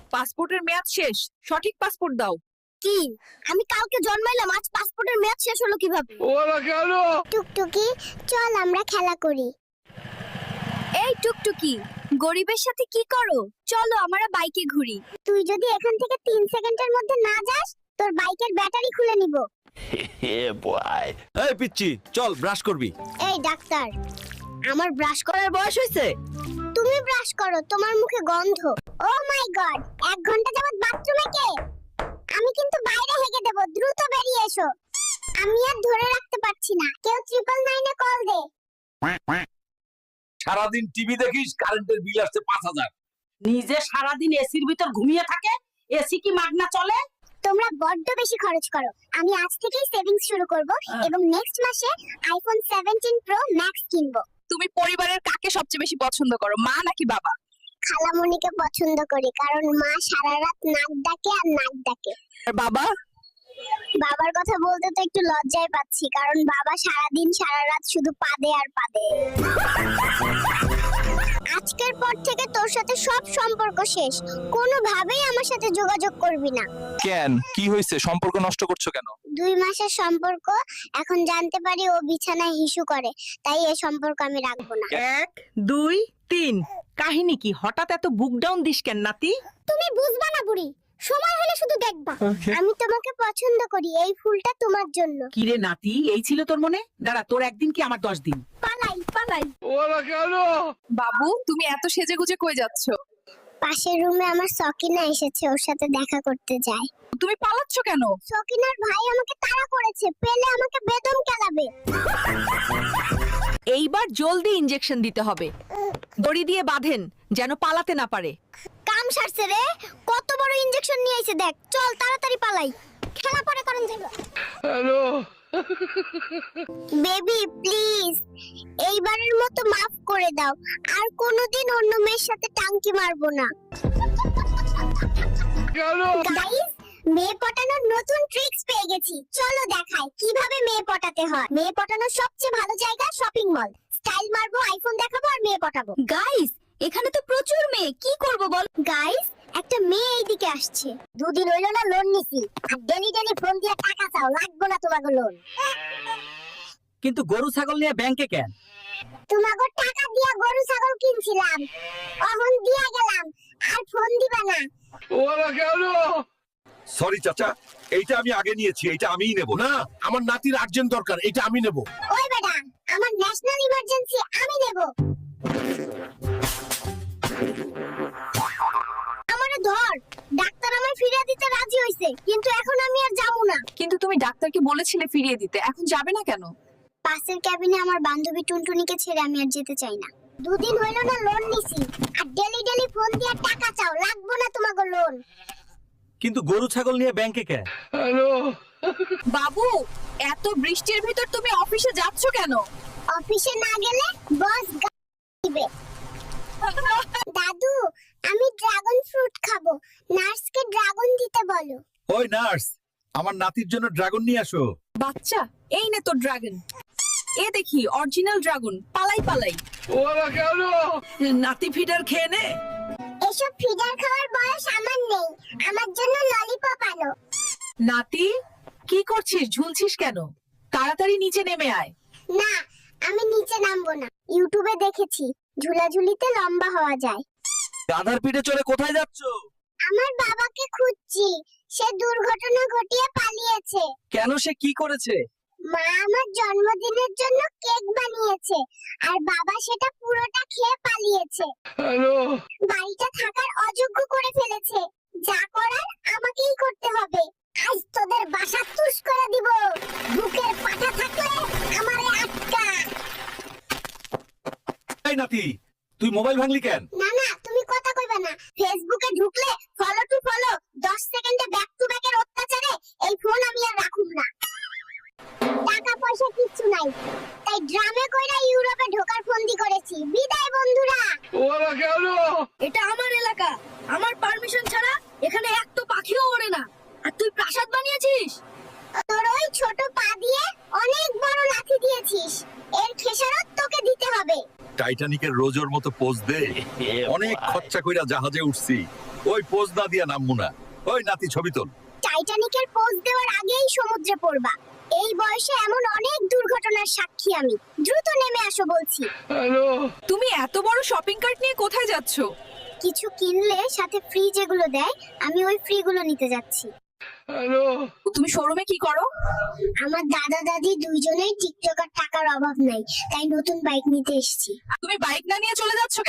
পাসপোর্টের মেয়াদ শেষ, সঠিক পাসপোর্ট দাও। কি? আমি কালকে জন্মাইলাম, আজ পাসপোর্টের মেয়াদ শেষ হলো কিভাবে? ওরা কেন? টুকটুকি, চল আমরা খেলা করি। এই টুকটুকি, গরিবের সাথে কি করো? চলো আমরা বাইকে ঘুরি। তুই যদি এখান থেকে 3 সেকেন্ডের মধ্যে না যাস, তোর বাইকের ব্যাটারি খুলে নিব। এই পিচ্চি, চল ব্রাশ করবি। এই ডাক্তার, আমার ব্রাশ করার বয়স হয়েছে? তুমি ব্রাশ করো, তোমার মুখে গন্ধ। ও মাই গড, 1 ঘন্টা যাবত বাথরুমে কে? আমি কিন্তু বাইরে হেগে দেব, দ্রুত বেরিয়ে এসো। আমি আর ধরে রাখতে পারছি না, কেউ 999 এ কল দে। সারাদিন টিভি দেখিস, কারেন্টের বিল আসছে 5000। নিজে সারাদিন এসির ভিতর ঘুমিয়ে থাকে, এসি কি মাগনা চলে? তোমরা বড্ড বেশি খরচ করো। আমি আজ থেকেই সেভিংস শুরু করব এবং নেক্সট মাসে আইফোন 17 প্রো ম্যাক্স কিনবো। তুমি পরিবারের কাকে সবচেয়ে বেশি পছন্দ করো, মা নাকি বাবা? খালামণিকে পছন্দ করি, কারণ মা সারা রাত নাক ডাকে আর নাক ডাকে। আর বাবা? বাবার কথা বলতে তো একটু লজ্জায় পাচ্ছি, কারণ বাবা সারাদিন সারা রাত শুধু পাদে আর পাদে। আজকের পর থেকে তোর সাথে সব সম্পর্ক শেষ। কোনোভাবেই আমার সাথে যোগাযোগ করবি না। কেন, কি হয়েছে? সম্পর্ক নষ্ট করছো কেন? 2 মাসের সম্পর্ক, এখন জানতে পারি ও বিছানায় হিসু করে, তাই এই সম্পর্ক আমি রাখবো না। 1 2 3। কাহিনী কি? হঠাৎ এত বুক ডাউন দিস কেন নাতি? তুমি বুঝবা না বুড়ি, সময় হলে শুধু দেখবা। আমি তোমাকে পছন্দ করি, এই ফুলটা তোমার জন্য। কি রে নাতি, এই ছিল তোর মনে? দাঁড়া, তোর একদিন কি আমার 10 দিন। পালাই পালাই। ওরা কেন? বাবু, তুমি এত সেজেগুজে কই যাচ্ছ? পাশের রুমে আমার সকিনা এসেছে, ওর সাথে দেখা করতে যাই। তুমি পালাচ্ছ কেন? সকিনার ভাই আমাকে তাড়া করেছে, পেলে আমাকে বেদম কেলাবে। এইবার জলদি ইনজেকশন দিতে হবে। দড়ি দিয়ে বাঁধেন যেন পালাতে না পারে। কাম সারছে রে, কত বড় ইনজেকশন নিয়ে আইছে দেখ। চল তাড়াতাড়ি পালাই, খেলা পরে করেন যাবে। হ্যালো, বেবি প্লিজ, এইবারের মতো মাফ করে দাও, আর কোনোদিন অন্য মেয়ের সাথে টাঙ্কি মারবো না। কেন? গাইস, মেয়ে পটানোর নতুন ট্রিক্স পেয়ে গেছি, চলো দেখাই কিভাবে মেয়ে পটাতে হয়। মেয়ে পটানোর সবচেয়ে ভালো জায়গা শপিং মল। স্টাইল মারবো, আইফোন দেখাবো আর মেয়ে পটাবো। গাইস, এখানে তো প্রচুর মেয়ে, কি করব বল? গাইস, একটা মেয়ে এইদিকে আসছে। 2 দিন হইলো না লোন নিছি, আর ডেলি ফোন দিয়ে টাকা চাও, লাগবো না তোমাকে লোন। কিন্তু গরু ছাগল নিয়ে ব্যাংকে কেন? তোমাকে টাকা দিয়া গরু ছাগল কিনছিলাম, অহন দিয়া গেলাম, আর ফোন দিবা না। ওরা কেন? সরি চাচা, এইটা আমি আগে নিয়েছি, এইটা আমিই নেব। না, আমার নাতির আর্জেন্ট দরকার, এটা আমি নেব। ওই বেটা, আমার ন্যাশনাল ইমার্জেন্সি, আমি নেব। আমারে ধর, ডাক্তার আমায় ফিরিয়ে দিতে রাজি হইছে, কিন্তু এখন আমি আর যাবো না। কিন্তু তুমি ডাক্তারকে বলেছিলে ফিরিয়ে দিতে, এখন যাবে না কেন? পাশের ক্যাবিনে আমার বান্ধবী টুনটুনিকে ছেড়ে আমি আর যেতে চাই না। 2 দিন হইলো না লোন নিছি, আর ডেলি ফোন দিয়ে টাকা চাও, লাগবো না তোমাকে লোন। কিন্তু গরু ছাগল নিয়ে ব্যাংকে কেন? হ্যালো, বাবু, এত বৃষ্টির ভিতর তুমি অফিসে যাচ্ছ কেন? অফিসে না গেলে বস দিবে। দাদু, আমি ড্রাগন ফ্রুট খাবো, নার্সকে ড্রাগন দিতে বলো। ওই নার্স, আমার নাতির জন্য ড্রাগন নিয়ে আসো। বাচ্চা, এই নে তোর ড্রাগন। এ দেখি অরিজিনাল ড্রাগন, পালাই পালাই। ওরা কেন? নাতি ফিডার খেয়ে নে। এসব ফিডার খাওয়ার বয়স আমার নেই, আমার জন্য ললিপপ আনো। নাতি, কি করছিস? ঝুলছিস কেন? তাড়াতাড়ি নিচে নেমে আয়। না, আমি নিচে নামবো না। ইউটিউবে দেখেছি ঝুলাঝুলিতে লম্বা হওয়া যায়। গাধার পিঠে চড়ে কোথায় যাচ্ছ? আমার বাবাকে খুঁজছি, সে দুর্ঘটনা ঘটিয়ে পালিয়েছে। কেন, সে কি করেছে? মা আমার জন্মদিনের জন্য কেক বানিয়েছে, আর বাবা সেটা পুরোটা খেয়ে পালিয়েছে। হ্যালো, বাড়িটা থাকার অযোগ্য করে ফেলেছে। যা করার আমাকেই করতে হবে। আজ তোদের বাসা তুষ করে দিব। বুকের পাটা থাকলে আমারে আটকা। এই নাতি, তুই মোবাইল ভাঙলি কেন? না না, তুমি কথা কইবা না। ফেসবুকে ঢুকলে ফলো টু ফলো, 10 সেকেন্ডে ব্যাক টু ব্যাকের অত্যাচারে এই ফোন আমি আর রাখুম না। টাকা পয়সা কিচ্ছু নাই, তাই ড্রামে কইরা ইউরোপে ঢোকার ফন্দি করেছি। বিদায় বন্ধুরা। ওরা কেন? এটা আমার এলাকা, আমার পারমিশন ছাড়া এখানে একটা পাখিও ওড়ে না। আর তুই প্রাসাদ বানিয়েছিস? তোর ওই ছোট পা দিয়ে অনেক বড় লাথি দিয়েছিস, এর খেসারত তোকে দিতে হবে। টাইটানিকের রোজোর মতো পোজ দে অনেক খরচা কইরা জাহাজে উঠছি ওই পোজ না দিয়া নামমু না ওই নাতি ছবি তোল টাইটানিকের পোজ দেওয়ার আগেই সমুদ্রে পড়বা। এই বয়সে এমন অনেক দুর্ঘটনার সাক্ষী আমি। দ্রুত নেমে আসো বলছি। তুমি এত বড় শপিং কার্ট নিয়ে কোথায় যাচ্ছ? কিছু কিনলে সাথে ফ্রি যেগুলো দেয়, আমি ওই ফ্রি গুলো নিতে যাচ্ছি। তুমি শোরুমে কি করো? আমার দাদা দাদি দুইজনেই টিকটকার, টাকার অভাব নাই, তাই নতুন বাইক নিতে এসেছি। তুমি বাইক না নিয়ে চলে যাচ্ছ